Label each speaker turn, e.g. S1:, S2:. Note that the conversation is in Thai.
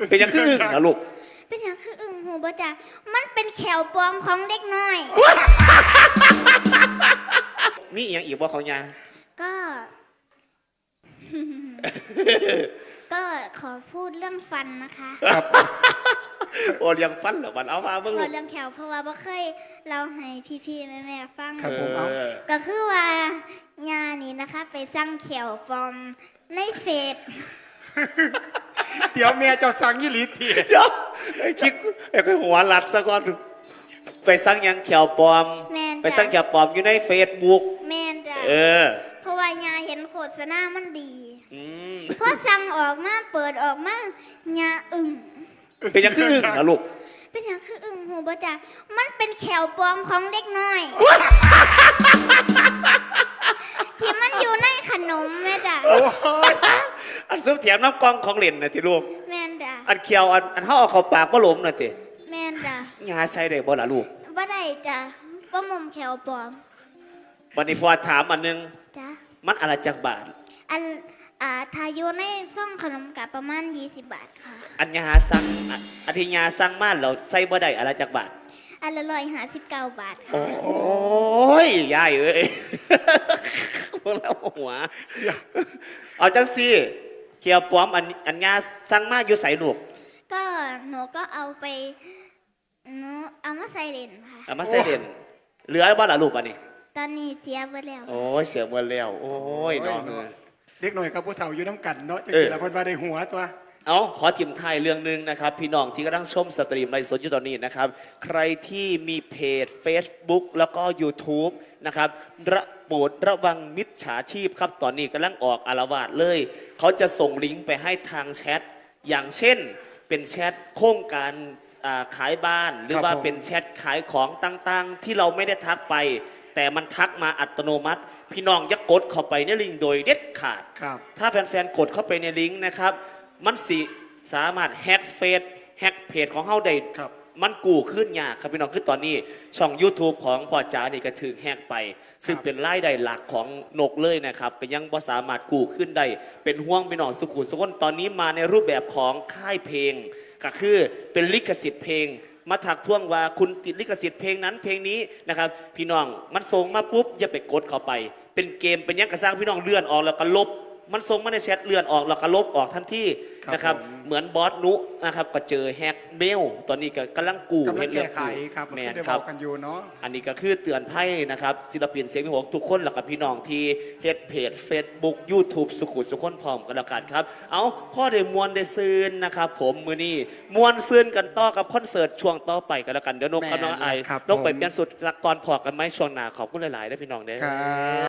S1: เป็นยังคือนะลูก
S2: เป็นอย่างคืออึ่งหูบ่จ้ะมันเป็นแขวปลอมของเด็กน้อย
S1: มีอีกอย่างอีกบ่ของยา
S2: ก็ ก็ขอพูดเรื่องฟันนะคะ
S3: ครับ
S1: โอ้ยังฟันเหรอมันเอามาเบิ่งลูก
S2: เรื่องแขวเพราะว่าบ่เคยเราให้พี่ๆแม่ๆฟัง
S3: ครับผมเอา
S2: ก็คือว่ายานี่นะคะไปสร้างแขวปลอมในเฟซ
S3: เดี๋ยวแม่เจ้าสั่งยี่หลีที
S1: เดี๋ยวไอ้คิดไอ้หัวหลัดซะก่อนไปสร้างยังเขียวปลอมไปสร้างเขียวปลอมอยู่ในเฟซบุ๊ก
S2: แม่นจ้ะเพราะว่ายาเห็นโฆษณามันดีพอสั่งออกมาเปิดออกมายาอึ่ง
S1: เป็นยังคืออึ่งนะลูก
S2: เป็นอย่างคืออึ่งหูบ่จ้ะมันเป็นแขวปลอมของเด็กน้อย ที่มันอยู่ในขนมแม่จ้ะ
S1: อันซุปเถียมน้ำกองของเล่นนะที่ลูก
S2: แม่นจ้ะ
S1: อันเขียวอันห่อเข้าปากบ่หลมนะติ
S2: แม่นจ้ะ
S1: ยาใส่ได้บ่ล่ะลูก
S2: บ่ได้จ้ะบ่มุมแขวปลอม
S1: วันนี้พอถามอันนึง
S2: จ้ะ
S1: มันอะไรจักบาท
S2: อันถ้าอยู่ในซ่องขนมกับประมาณ20 บาทค่ะ
S1: อันยาสั่งอันที่ยาสั่งมาเราใส่บ่ได้อะไรจักบาท
S2: อันละ159 บาทค่ะ
S1: โอ้ยยายเอ้ยพวกเราหัวเอาจังสิเขียวปลอมอันยาสั่งมาอยู่ใส่ลูก
S2: ก็หนูก็เอาไปหนูเอามาใส่เลนค่ะ
S1: เอามาใส่เลนเหลือบ่ล่ะลูกอันนี้
S2: ตอนนี้เสียหมดแล้ว
S1: โอ้ยเสียหมดแล้วโอ้ยน้อง
S3: เด็กหน่อยกับผู้เฒ่าอยู่น้ำกันเนาะจังสิละเพิ่นว่าได้หัวตัว
S1: เอาขอจิ้มท้ายเรื่องนึงนะครับพี่น้องที่กำลังชมสตรีมไลฟ์สดอยู่ตอนนี้นะครับใครที่มีเพจ Facebook แล้วก็ YouTube นะครับโปรดระวังมิจฉาชีพครับตอนนี้กำลังออกอาละวาดเลยเขาจะส่งลิงก์ไปให้ทางแชทอย่างเช่นเป็นแชทโครงการขายบ้านหรือว่าเป็นแชทขายของต่างๆที่เราไม่ได้ทักไปแต่มันทักมาอัตโนมัติพี่น้องอย่ากดเข้าไปในลิงก์โดยเด็ดขาดถ้าแฟนๆกดเข้าไปในลิงก์นะครับมันสามารถแฮกเฟซแฮกเพจของเฮาได้มันกู้ขึ้นยากครับพี่น้องคือตอนนี้ช่อง YouTube ของพ่อจ๋านี่ก็ถูกแฮกไปซึ่งเป็นรายได้หลักของนกเลยนะครับก็ยังบ่สามารถกู้ขึ้นได้เป็นห่วงพี่น้องสุขุมสุขนตอนนี้มาในรูปแบบของค่ายเพลงก็คือเป็นลิขสิทธิ์เพลงมาถักท่วงว่าคุณติดลิขสิทธิ์เพลงนั้นเพลงนี้นะครับพี่น้องมันส่งมาปุ๊บอย่าไปกดเข้าไปเป็นเกมเป็นยังกระสร้างพี่น้องเลื่อนออกแล้วก็ลบมันส่งมาในแชทเลื่อนออกแล้วก็ลบออกทันทีนะครับเหมือนบอสนุนะครับก็เจอแฮกเมลตอนนี้ก็กำลังกู้
S3: เรื่องครับ
S1: แมนครับ
S3: กันอยู่เนาะ
S1: อันนี้ก็คือเตือนภัยนะครับศิลปินเสียงพิหกทุกคนแล้วก็พี่น้องที่เฮ็ดเพจ Facebook YouTube สุขุสุขคนพร้อมกันแล้วกันครับเอาพ่อได้มวนได้ซืนนะครับผมมือนี้มวนซืนกันต่อกับคอนเสิร์ตช่วงต่อไปกันแล้วกันเดี๋ยวนกกับน้องไอนกไปเปลี่ยนสุดก่อนพอกันไหมช่วงหน้าขอบคุณหลายๆได้พี่น้องเด้อ